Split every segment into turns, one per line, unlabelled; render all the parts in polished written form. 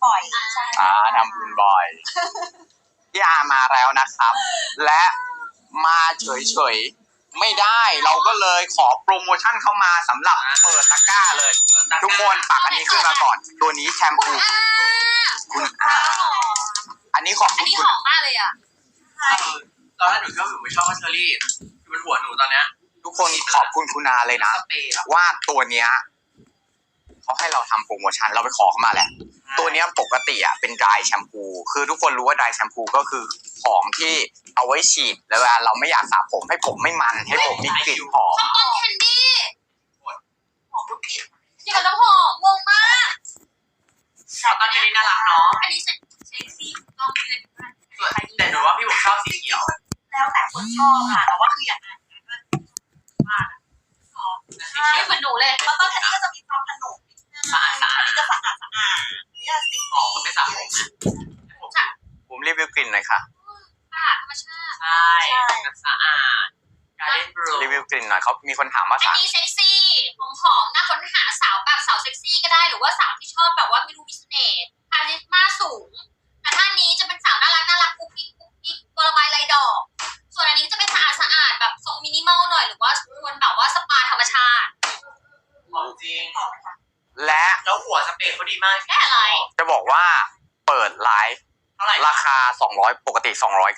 บ่อยใช่
ทำบุญบ่อยพี่อามาแล้วนะครับ และมาเฉยๆไม่ได้เราก็เลยขอโปรโมชั่นเข้ามาสำหรับเปิดตะกร้าเลย ทุกคนปักอันนี้ขึ้นมาก่อน ตัวนี้แชมพูคุณอาอันนี้ขอบ
อั
คุ
น
ณ
นี้
คุ
ห
ณ
อมมากเลยอ่ะ
ตอนแรกหนูก็หนูไม่ชอบว่าเชอรี่อยู่บนหัวหนูตอนเนี้ย
ทุกคนขอบคุณคุณอาเลยนะ
สเปรย์อะ
ว่าตัวเนี้ยเขาให้เราทำโปรโมชั่นเราไปขอเขามาแหละ ตัวเนี้ยปกติอ่ะเป็น dry แชมพูคือทุกคนรู้ว่า dry แชมพูก็คือของที่เอาไว้ฉีดแล้วเวลาเราไม่อยากสระผมให้ผมไม่มันให้ผมมีกลิ่นหอม
ช็อกโกแลตแคนดี้
หอมทุกกลิ่น
เกี่ยวกับน้ำหอมงงมาก
ตอนนี้น่ารักเนาะ
อันนี้เซ็กซี่ต้องมีเลย
แต่หนูว่าพี่ผมชอบสีเขียว
แล้วแต่คนชอบค่ะแต่ว่าคืออย่างนั้นว่า
ใช่เหมือนหนูเลย
แล้วก็แค่นี้ก็จะมีความขนมอันนี้จะสะอาดนี่จะซิก
อ๋อคนไม่สระผมนะ
ผมรีวิวกลิ่นหน่อยค่ะ
อาหารธรรมชาติ
ใช่แบบสะอาดการเล่นบรู
รีวิวกลิ่นหน่อยเขามีคนถามว่า
อัน
สาร
นี้เซ็กซี่หอมๆน่าค้นหาสาวแบบสาวเซ็กซี่ก็ได้หรือว่าสาวที่ชอบแบบว่าไม่รู้มีเสน่ห์คาริสมาสูงแต่ท่านนี้จะเป็นสาวน่ารักกุ๊กกิ๊กตัวระบายลายดอกส่วนอันนี้จะเป็นสะอาดแบบทรงมินิมอลหน่อยหรือว่าควรแบบว่าสปาธรรมชาติ
หอมจริง
และ
แล้วหัวสเปรย์เขาดีมาก
แค่อะไร
จะบอกว่าเปิดไลฟ์
เท่าไหร่
ราคา200ปกติ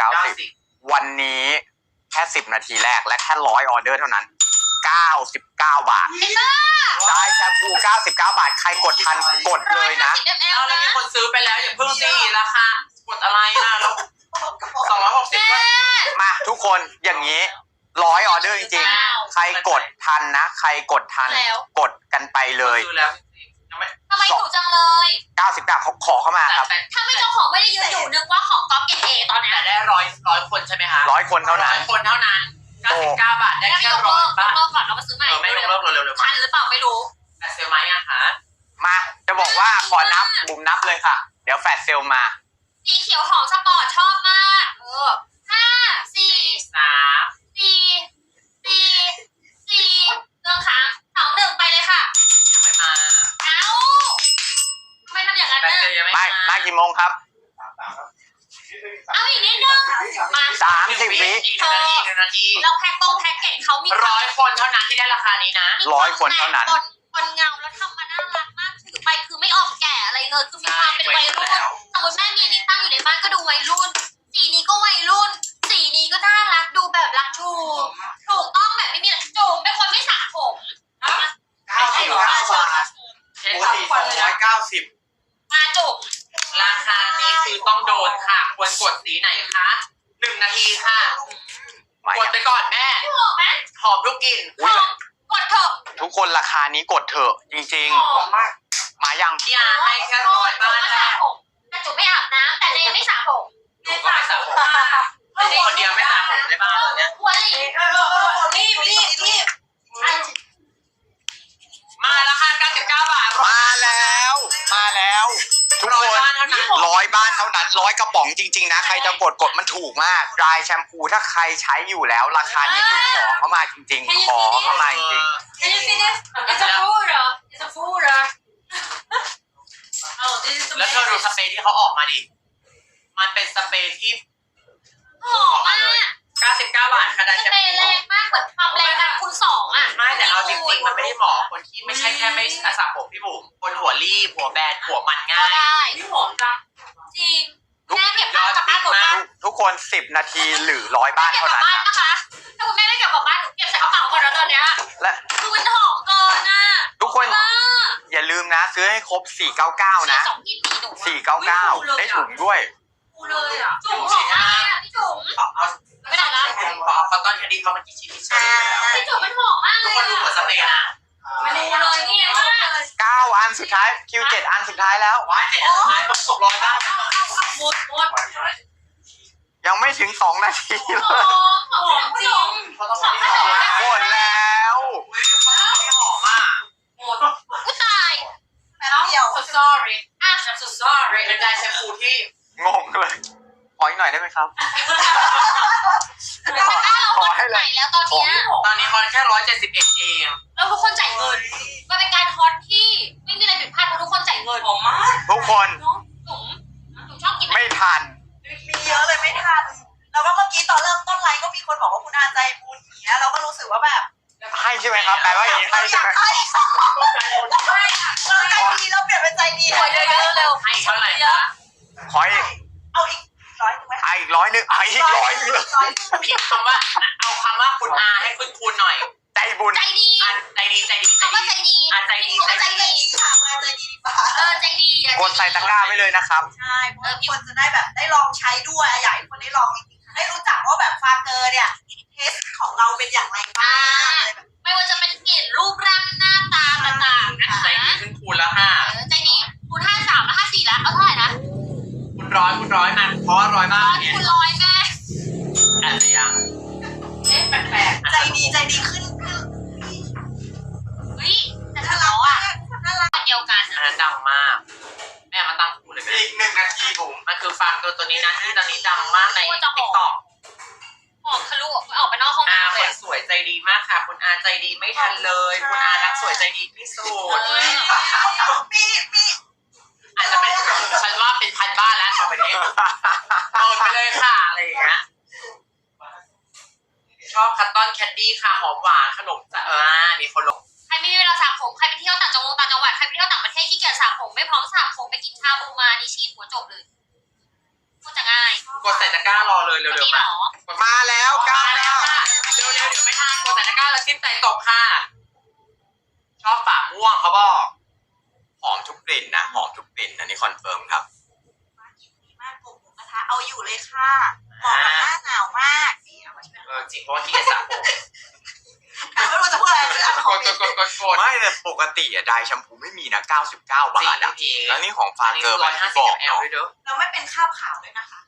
290วันนี้แค่10นาทีแรกและแค่100ออเดอร์เท่านั้น99 บาทได้แชมพู99 บาทใครกดทันกดเลยนะ
10 ml
เอาแล้วมีคนซื้อไปแล้วอย่าเพิ่งสิราคากดอะไรนะแล้ว260ก็
มาทุกคนอย่างนี้100ออเดอร์จริงๆใครกดทันนะใครกดทันกดกันไปเลย
ซื้อแล้วจริงๆยังไม่
ทำไมถูกจังเลย
99เขาขอเข้ามาครับ
แต่
ถ้าไม่เจ้าของไม่ได้ยืนอยู่นึกว่าของก๊อฟเกรดเอตอนเนี้ย
แต่ได้ร้อยคนใช่ไหมคะ
100คนเท่านั้น
100คนเท่านั้น99 บาทได้
แล้ว
แค่
ยก
ร้
เลิ
อย
ก
บาท
ก่อนเรามาซื้อใหม่
ไม่ยกเลิกเร็วๆ
ทันหรือเปล่าไม่รู้
แต่เซลไหมอะคะ
มาจะบอกว่าขอนับบุมนับเลยค่ะ เดี๋ยวแฟลชเซลมา
สีเขียวหอมสปอร์ตชอบมาก5 4
3
4เรื่องค้าง2 1ไปเลยค่ะ
ยังไม่มา
เอ้าทำไมทำอย่างนั้น
แต่
น่ะ
เซลยังไม่
ไม่
มา
มากี่โมงครับ
เอาอีกนิดนึงมา
30 วิ
อีก1 นาที
เราแพ็คเกจเขามี
100 คนเท่านั้นที่ได้ราคานี้นะ
100 คนเท่านั้น
คนเงาแล้วทำมาน่ารักมากถือไปคือไม่ออกแก่อะไรเลยคือมีความเป็นวัยรุ่นสมมติแม่มีอันนี้ตั้งอยู่ในบ้านก็ดูวัยรุ่นสีนี้ก็วัยรุ่นสีนี้ก็น่ารักดูแบบรักถูกต้องแบบไม่มีจูบเป็นคนไม่สระผม
99 บาทเช็ดทุกวันเลยนะ
มาจูบ
ราคานี้คือต้องโดนค่ะ ควรกดสีไหนคะ1 นาทีค่ะ
มาก
ดไปก่อนแม่
พี่หอมไหม
หอมทุกกลิ่น
หอมกดเถอะ
ทุกคนราคานี้กดเถอะจริง
หอม
ๆ มายัง
พี่อาให้แค่100 บ้านแรก
แต่จูบไม่อาบน้ำแต่เนยไม่สระผม
หนูก็ไม่สระผมเป็นคนเดียวไม่สระผมในบ้านเลยเนี่ย
หัวหลี
รีบ
มาแล้วค่ะ99 บาท
มาแล้วทุกคน
100 บ้านเท่านั้น
100 บ้านเท่านั้น100 กระป๋องจริงๆนะใครจะกดมันถูกมากดรายแชมพูถ้าใครใช้อยู่แล้วราคานี้คือขอเข้ามาจริงๆขอเข้ามาจริง
Can you see this? It's a fooder. It's a fooder. Oh, this is
แล้วเธอดูสเปรย์ที่เขาออกมาดิ มันเป็นสเปรย์ที่
หอมมาก
99 บาทค่ะได้
ส
แชม
เปร
พู
ย์แรงมากเหมือนความแรงแบบคูณ2อ่ะ
ไม่แต่เอาจริงๆมันไม่ได้เหมาะคนที่ไม่ใช่แค่ไม่สระผมพี่บุ๋มคนหัวรีบหัวแบนหัวมันง่า
ก็
ย
ได้
นี่หอมจัง
จริงแม่เก็บบ้านกลับบ้านหมด
ทุกคน10 นาทีหรือ100 บ้าน
เก็บ
เท่าก
ลับ
นั้น
บ้านนะคะ ถ้าคุณแม่ไม่เก็บกลับบ้านหนูเก็บใส่กระเป๋าก่อนแล้วตอนเนี้ย
และ
คือมันหอมเกินอ่ะ
ทุกคน
มาก
อย่าลืมนะซื้อให้ครบ499นะ
สองที่มีหนู
499ได้ถุงด้วย
กูเลยอ่ะ
จุ๋มหอมมากอ่ะพี่จุ๋ม
เอา
ไม่ได้ละ
เอาคอตตอนแคนดี้เขามากี่ชิ้นใช่ไหม
พี่จุ๋มมันหอมมาก
ทุ
เล
ก
ย
คนดูหัว
อ่ะ
สเปรย์นะ
ไม่รู้เลยนี่มาก
9 อันสุดท้ายคิว7 อันสุดท้ายแล้ว
ว้ายแต่สุดท้ายมัน600 บ้าน
หมด
ยังไม่ถึง2 นาทีเล
หอย มหอมจริง
เขาต้องมาที่หอม
หมดแล้ว
อุ้ยเขาต้องมาที่หอมอ่ะ
กูตาย
แป๊บเดียว
so sorry
อ่ะ
I'm so sorry เป็นได้แชมพูที่
งงเลยขออีกหน่อยได้ไหมครับ
ตะกร้าเราหมดไหนแล้วตอนเนี้ย
ตอนนี้เขาแค่171เอง
แล้วทุกคนจ่ายเงินมันเป็นการฮอตที่ไม่มีอะไรผิดพลาดเพราะทุกคนจ่ายเงินหอมมาก
ทุกคนช่ไหมครับแปลว่าอย่างนี้ให้
เราอ
ใช่
ยา
ไหม
กให้เราใจดีเราเปลี่ยนเป็นใจดี
หัวเยอะๆเร็ว
ให้เท่าไหร่
เยอะ
ขออีก
เอาอีก100ไหม
อีก100นึงอีก100นึง
พิมพ์คำว่าเอาคำว่าคุณอาให้ขึ้นคูณหน่อย
ใจบุญ
ใจดี
อันใจดีใจดี
คำว่าใจดี
อันใจดี
ใจ
ใจ
ดี
ดีค่ะมาใจดีดีกว่า
ใจดีอะ
กดใส่ตะกร้าไว้เลยนะครับ
ใช่เพราะว่าคนจะได้แบบได้ลองใช้ด้วยอยากให้คนได้ลองจริงๆได้รู้จักว่าแบบฟาเกอร์เนี่ยเทสของเราเป็นอย่างไรบ้างอะไรแบบ
ไม่ว่าจะเป็นกลิ่นรูปร่างหน้าตาต่างๆนะคะ
ใจดีขึ้นคูณแล้วค่ะ
ใจดีคูณ53แล้ว54แล้วเอาเท่าไหร่นะ
คูณร้อยมาเพราะว่าร้อยมากเนี่ย
คูณร้อยแม่
อาจจะยัง
แปลก
ใจดีขึ้น
ๆเฮ้ยแต่
น่า
ถ้า
รั
เรา
ก
อะ
น่ารัก
เดียวกัน
อันนั้นดังมากแม่มาตั้งคูณเลย
อีก1 นาทีผม
มันคือฟังตัวนี้นะที่ตอนนี้ดังมากในติ๊กต็อก
หอมทะลุออกไปนอกห้อง
อา
น้ำ
ค
เลย
นสวยใจดีมากค่ะ คุณอาใจดีไม่ทันเลย คุณอานักสวยใจดีที่สุด
มี
อาจจะเป็นฉันว่าเป็นพันบ้านแล้วต่อไปนี้โดนไปเลยค่ะอะไรอย่างเงี้ยชอบคัตตอนแคนดี้ค่ะหอมหวานขนมจ้ามีคนลง
ใครไม่มีเวลาสระผมใครไปเที่ยวต่างจังหวัดใครไปเที่ยวต่างประเทศขี้เกียจสระผมไม่พร้อมสระผมไปกินชาบูมานี่ฉีดหัวจบเลยพูดจะง่าย
กดใส่ตะกร้ารอเลย
วัน
เร็ว
นี้
ๆ
หร
มา
อ
มาแล้วกล้า
มา
แล้
แล้ว
ว
ค่ะเร็วๆเดี๋ยวไม่ทันกดใส่ตะกร้าแล้วจิ้มใจตกค่ะ ชอบฝาม่วงเขาบอก
หอมทุกกลิ่นนะหอมทุกกลิ่นอันนี้คอนเฟิร์มครับ
ดีมากผมหมูกระทะเอาอยู่เลยค่ะเหมาะกับหน้าหนาวมากนี่เอามาช่วย
จริงเพราะว่าที่จะสระผม
ไม่รู้จะพูดอะไรเลยอ่ะคอมเมนต์
กด
ไม่แต่ปกติอะไดร์แชมพูไม่มีนะ99 บาทอะ
จริง
แล้วนี่ของฟา
อันนี้
เกอร์
ร้
มั
อน ย
ที่
ห้า
บ
สิบ
อก
แอล
เนาะ
ด้วยเด้อ
แล้วไม่เป็นคราบขาวด้วยนะคะ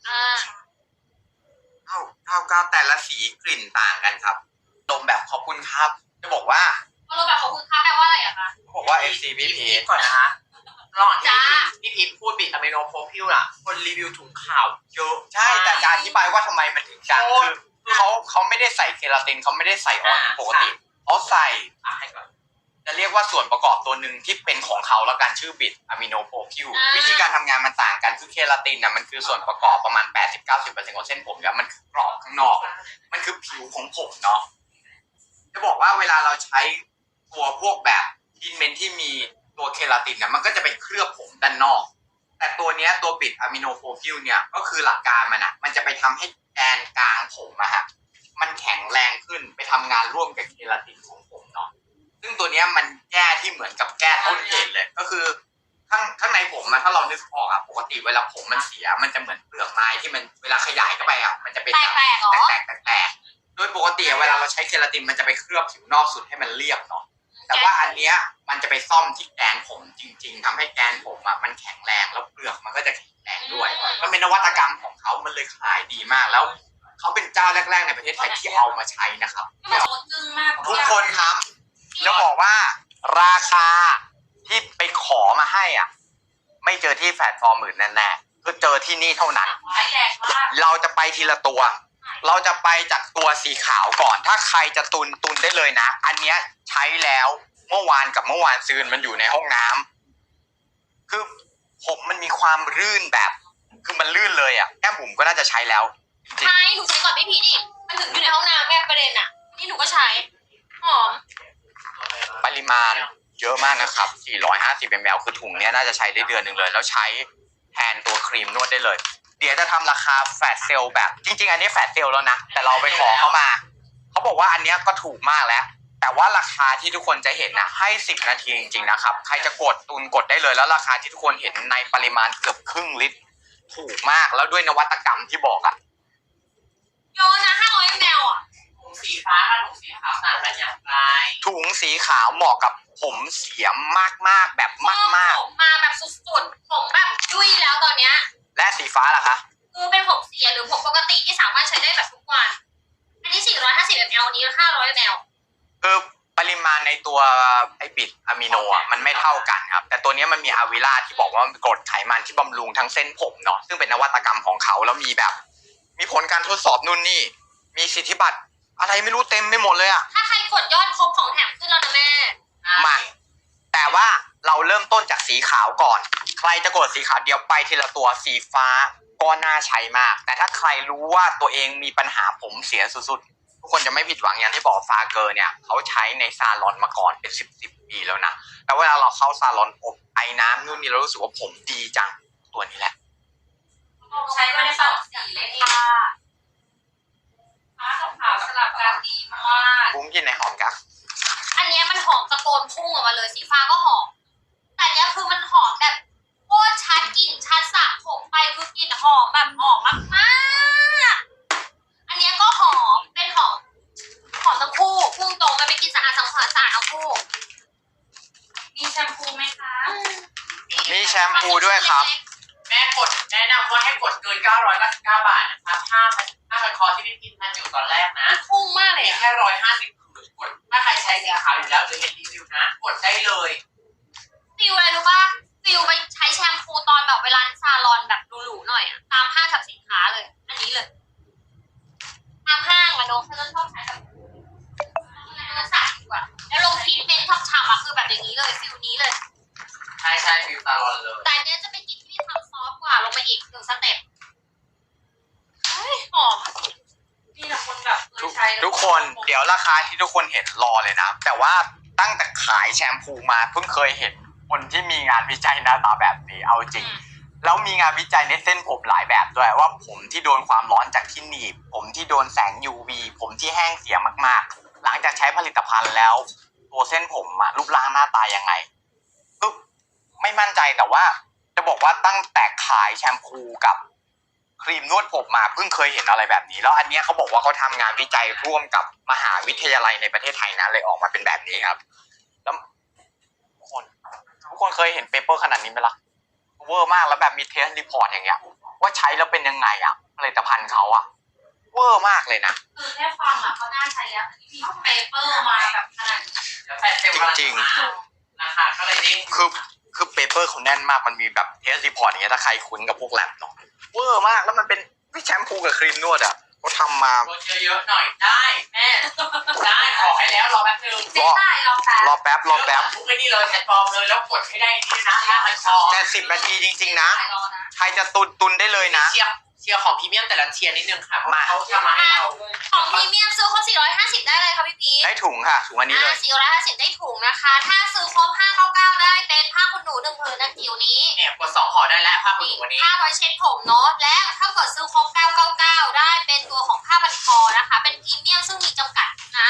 99แต่ละสีกลิ่นต่างกันครับดมแบบขอบคุณครับ จะบอกว่า
พอเราแบบของคุณคะแปลว่าอะไรอะคะ
เขาบอกว่า FC พี่พีช
ก่อนนะคะระหว่างที่พี่พีชพูดบิดอะมิโนโพพิวอะคนรีวิวถุงขาวเยอะ
ใช่แต่จะอธิบายว่าทำไมมันถึงดังคือเขาไม่ได้ใส่เคราตินเขาไม่ได้ใส่ออนปกติเขาใส่
ให้ก่อน
จะเรียกว่าส่วนประกอบตัวหนึ่งที่เป็นของเขาแล้วกันชื่อบิดอะมิโนโพพิววิธีการทำงานมันต่างกันคือเคราตินนะมันคือส่วนประกอบประมาณ 80-90% ของเส้นผมแล้วมันคือกรอบข้างนอก มันคือผิวของผมเนาะจะบอกว่าเวลาเราใช้ตัวพวกแบบทรีทเมนต์ที่มีตัวเคราตินนะมันก็จะไปเคลือบผมด้านนอก แต่ตัวเนี้ยตัวบิดอะมิโนโพพิวเนี่ยก็คือหลักการมันอะมันจะไปทำให้แกนกลางผมอะฮะมันแข็งแรงขึ้นไปทำงานร่วมกับเคราตินของผมเนาะซึ่งตัวเนี้ยมันแก้ที่เหมือนกับแก้ต้นเหตุเลยก็คือข้างในผมอะถ้าเรานึกออกอะปกติเวลาผมมันเสียมันจะเหมือนเปลือกไม้ที่มันเวลาขยายเข้าไปอะมันจะเป็น
แปลกๆเหรอ
แตกโดยปกติเวลาเราใช้เคราตินมันจะไปเคลือบผิวนอกสุดให้มันเรียบเนาะแต่ว่าอันเนี้ยมันจะไปซ่อมที่แกนผมจริงๆทำให้แกนผมอะมันแข็งแรงแล้วเปลือกมันก็จะแข็งแรงด้วยมันเป็นนวัตกรรมของเขามันเลยขายดีมากแล้วเขาเป็นเจ้าแรกๆในประเทศไทยที่เอามาใช้นะครับ
ไม่บอกว่าจึ้งมาก
ทุกคนครับจะบอกว่าราคาที่ไปขอมาให้อ่ะไม่เจอที่แพลตฟอร์มอื่นแน่ๆคือเจอที่นี่เท่านั้น
ร้ายแรงมาก
เราจะไปทีละตัว เราจะไปจากตัวสีขาวก่อน ถ้าใครจะตุนได้เลยนะ อันเนี้ยใช้แล้วเมื่อวานกับเมื่อวานซืนมันอยู่ในห้องน้ำคือผมมันมีความลื่นแบบ คือมันลื่นเลยอ่ะแก้มบุ๋มก็น่าจะใช้แล้วจริง
ใช่หนูใช้ก่อนพี่พีชอีกมันถึงอยู่ในห้องน้ำแม่ประเด็นอะนี่หนูก็ใช้หอม
ปริมาณเยอะมากนะครับ450 ml คือถุงเนี้ยน่าจะใช้ได้เดือนหนึ่งเลย แล้วใช้แทนตัวครีมนวดได้เลย เดี๋ยวจะทำราคาแฟลชเซลแบบจริงๆอันนี้แฟลชเซลแล้วนะแต่เราไปขอเขามาเขาบอกว่าอันเนี้ยก็ถูกมากแล้ว แต่ว่าราคาที่ทุกคนจะเห็นนะให้10 นาทีจริงๆนะครับใครจะกดตุนกดได้เลยแล้วราคาที่ทุกคนเห็นในปริมาณเกือบครึ่งลิตรถูกมากแล้วด้วยนวัตกรรมที่บอกอะ
โยนนะ500 ml อะ
ถุงสีฟ้ากับถุงสีขาวต่างกันอย่างไร
ถุงสีขาวเหมาะกับผมเสียมากๆแบบมาก
ผมมาแบบสุดๆผมแบบยุ่ยแล้วตอนเนี้ย
ๆและสีฟ้าล่ะคะ
คือเป็นผมเสียหรือผมปกติที่สามารถใช้ได้แบบทุกวัน อันนี้450 ml อันนี้500 ml
คือปริมาณในตัวไอบิดอะมิโนอ่ะมันไม่เท่ากันครับแต่ตัวเนี้ยมันมีอะวิล่าที่บอกว่ามันกรดไขมันที่บำรุงทั้งเส้นผมเนาะซึ่งเป็นนวัตกรรมของเขาแล้วมีแบบ มีผลการทดสอบนู่นนี่มีสิทธิบัตรอะไรไม่รู้เต็มไปหมดเลยอ่ะ
ถ้าใครกดยอดครบของแถมขึ้นแล้วนะแม่
มาแต่ว่าเราเริ่มต้นจากสีขาวก่อน ใครจะกดสีขาวเดี๋ยวไปทีละตัวสีฟ้าก็น่าใช้มาก แต่ถ้าใครรู้ว่าตัวเองมีปัญหาผมเสียสุดๆทุกคนจะไม่ผิดหวังอย่างที่บอกฟาเกอร์เนี่ยเขาใช้ในซาลอนมาก่อนเป็น10 ปีแล้วนะแต่เวลาเราเข้าซาลอนอบไอ้น้ำนู่นนี่เรารู้สึกว่าผมดีจังตัวนี้แหละ
ใช้มาในสองสีเลยค่ะฟ้ากับขาวสลับกันดีมาก
บุ้งกินในหอมกะ
อันเนี้ยมันหอมตะโกนพุ่งออกมาเลยสีฟ้าก็หอมแต่อันเนี้ยคือมันหอมแบบโคตรชัดกลิ่นชัดสระผมไปคือกลิ่นหอมแบบหอมมากๆอันเนี้ยก็หอมเป็นหอมทั้งคู่พุ่งตรงมันเป็นกลิ่นสะอาดทั้งทั้งคู่มีแชมพูไหมคะ
มีแชมพูด้วยครับ
แม่กดแนะนำว่าให้กดเกิน999 บาทนะคะผ้าพันคอที่พี่พิมพ์ทันอยู่ตอนแรกนะ
พุ่งมากเลย
มี
อะ
แค่150ผืนกดถ้าใครใช้สีขาวอยู่แล้วหรือเห็นรีวิวนะกดได้เลย
ฟิลอะไรรู้ป่ะฟิลไปใช้แชมพูตอนแบบเวลาซาลอนแบบหรูๆหน่อยอะตามห้างสรรพสินค้าเลย อันนี้เลยตามห้างอะน้องเขาชอบใช้แบบสายดีกว่าแล้วลงทรีทเมนต์ฉ่ำๆอะคือแบบอย่างนี้เลยฟิลนี้เลย
ใช่ฟิวตาลอนเลย
แต่อันเนี้ยจะเป็นกลิ่นที่มีความซอฟต์กว่าลงไปอีก1 สเต็ปเฮ้ยหอมนี่แหละคนแบบเคยใช้แล้ว
ทุกคนเดี๋ยวราคาที่ทุกคนเห็นรอเลยนะแต่ว่าตั้งแต่ขายแชมพูมาเพิ่งเคยเห็นคนที่มีงานวิจัยหน้าตาแบบนี้เอาจริงแล้วมีงานวิจัยในเส้นผมหลายแบบด้วยว่าผมที่โดนความร้อนจากที่หนีบผมที่โดนแสง UV ผมที่แห้งเสียมากๆหลังจากใช้ผลิตภัณฑ์แล้วตัวเส้นผมอะรูปร่างหน้าตายังไงก็ไม่มั่นใจแต่ว่าจะบอกว่าตั้งแต่ขายแชมพูกับครีมนวดผมมาเพิ่งเคยเห็นอะไรแบบนี้แล้วอันเนี้ยเขาบอกว่าเขาทำงานวิจัยร่วมกับมหาวิทยาลัยในประเทศไทยนะเลยออกมาเป็นแบบนี้ครับแล้วทุกคนเคยเห็นเปเปอร์ขนาดนี้ไหมล่ะเวอร์มากแล้วแบบมีเทสรีพอร์ตอย่างเงี้ยว่าใช้แล้วเป็นยังไงอ่ะผลิตภัณฑ์เขาอ่ะเวอร์มากเลยนะ
คือแค่ฟังอะเขาน่าใช้แล้วมีเปเปอร์มาแบบขนาดนี้
เดี๋ยวแฟนเซลล์กำลังจะมาราคาก็เลยเด้ง
คือเปเปอร์เขาแน่นมากมันมีแบบเทสรีพอร์ตอย่างเงี้ยถ้าใครคุ้นกับพวกแลบเนาะเวอร์มากแล้วมันเป็นแชมพูกับครีมนวดอ่ะเขาทำมา
กดเยอะๆหน่อยได้แม่ได้ขอให้แล้วรอแป๊บนึง
เจ๊ได้ลองแป๊บ
รอแป๊บ
ทุกไอ้นี่เลยแพลตฟอร์มเลยแล้วกดให้ได้นี่นะถ้ามันพอ
แต่10 นาทีจริงๆนะ
รอนะ
ใครจะตุนได้เลยนะ
เชียร์ของพรีเมียมแต่ละเทียร์นิดนึงค่ะเพราะเขาทำมาให้เรา
ของพรีเมียมซื้อครบ450ได้เลยค่ะพี่พีช
ได้ถุงค่ะถุงอันนี้เลย
450ได้ถุงนะคะ ถ้าซื้อครบ599ได้เป็นผ้าขนหนู1 ผืนนะจิ๋วนี้
เนี่ยกด2ห่อได้แล้วผ้าขนหนูวันนี้
ผ้าไว้เช็ดผมเนาะและถ้าเกิดซื้อครบ999ได้เป็นตัวของผ้าพันคอนะคะ เป็นพรีเมียมซึ่งมีจำกัดนะ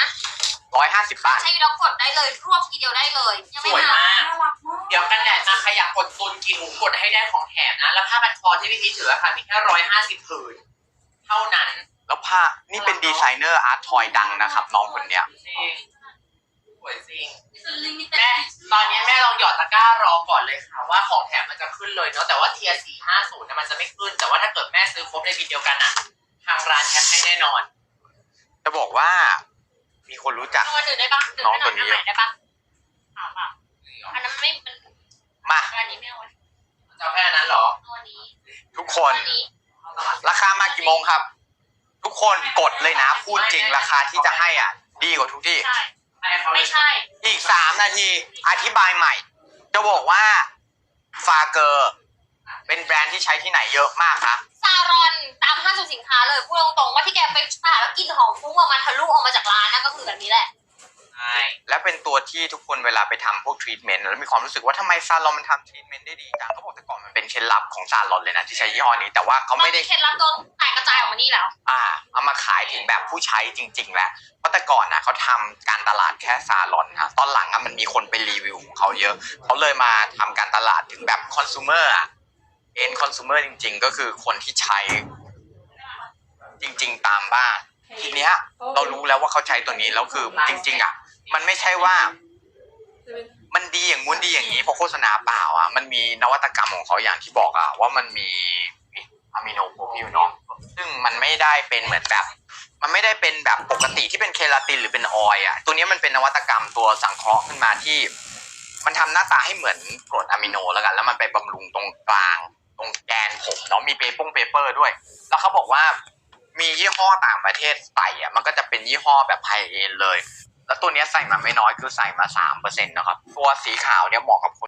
150 บาท
ใช้แล้วกดได้เลยรวบทีเดียวได้เลยยัง
ส
ไม่
วย
มาม
าก
น่ารักมาก
เดี๋ยวกันแดดมาใครอยากกดตุนกินหมูกดให้ได้ของแถมนะ แล้วผ้าพันคอที่พี่พีชถือค่ะมีแค่150 ผืนเท่านั้น
แล้วผ้านี่เป็นดีไซเนอร์อาร์ตทอยดังนะครับน้องคนเนี้ย
จริงสวยจริงแม่ตอนนี้แม่ลองหยอดตะกร้ารอก่อนเลยค่ะว่าของแถมมันจะขึ้นเลยเนาะแต่ว่าเทียร์450นะมันจะไม่ขึ้นแต่ว่าถ้าเกิดแม่ซื้อครบในบินเดียวกันอ่ะทางร้านแถมให้แน่นอน
จะบอกว่ามีคนรู้จัก
ตัวดื่มได้ปะดื่ม
น้อง
ได้ห
ตั
น่อ
วย นี้
อันไหนได้ปะถามอ่ะอันนั้นไม่มัน
มา
อันนี้ไม่เอา
จะเอาแค่นั้นเหรอ
ตัวนี้
ทุกคน
ตัวนี้
ราคามากี่โมงครับ ทุกคนกดเลยนะพูดจริงราคาที่จะให้อ่ะ ดีกว่าทุกที่
ใช่
ให้เขาเล
ไม่
ย
ใช่
อีก3 นาทีอธิบายใหม่ จะบอกว่าฟาเกอร์เป็นแบรนด์ที่ใช้ที่ไหนเยอะมากคะ
ซารอนตามห้างสรรพสินค้าเลยพูดตรงๆว่าที่แกไปสาแล้วกลินหอมฟุ้งออกมาทะลุออกมาจากร้านนั่นก็คือแบบนี้แหละ
ใช่
และเป็นตัวที่ทุกคนเวลาไปทำพวกทรีทเมนต์แล้วมีความรู้สึกว่าทำไมซาลอนมันทำทรีทเมนต์ได้ดีจังเขาบอกแต่ก่อนมันเป็นเคล็ดลับของซาลอนเลยนะที่ใช้ยี่ห้อนี้แต่ว่าเขาไม่ได้
เคล็ดลับโดนแตกกระจายออกมานี่แล้ว
เอามาขายถึงแบบผู้ใช้จริงๆแล้วเพราะแต่ก่อนนะเขาทำการตลาดแค่ซาลอนนะตอนหลังมันมีคนไปรีวิวของเขาเยอะเขาเลยมาทำการตลาดถึงแบบคอน sumer เอ็นคอน sumer จริงๆ ก็คือคนที่ใช้จริงๆตามบ้านทีเนี้ยเรารู้แล้วว่าเขาใช้ตัวนี้แล้วคือจริงๆมันไม่ใช่ว่ามันดีอย่างงู้นดีอย่างนี้เพราะโฆษณาเปล่ามันมีนวัตกรรมของเขาอย่างที่บอกว่ามันมีอะมิโนโปรพิวเนาะซึ่งมันไม่ได้เป็นเหมือนแบบมันไม่ได้เป็นแบบปกติที่เป็นเคลาตินหรือเป็นออยล์ตัวนี้มันเป็นนวัตกรรมตัวสังเคราะห์ขึ้นมาที่มันทำหน้าตาให้เหมือนกรดอะมิโนแล้วกันแล้วมันไปบำรุงตรงกลางตรงแกนผมเนาะมีเปเปอร์ด้วยแล้วเขาบอกว่ามียี่ห้อต่างประเทศใส่มันก็จะเป็นยี่ห้อแบบไฮเอนด์เลยแล้วตัวนี้ใส่มาไม่น้อยคือใส่มา 3% นะครับตัวสีขาวเนี่ยเหมาะกับคน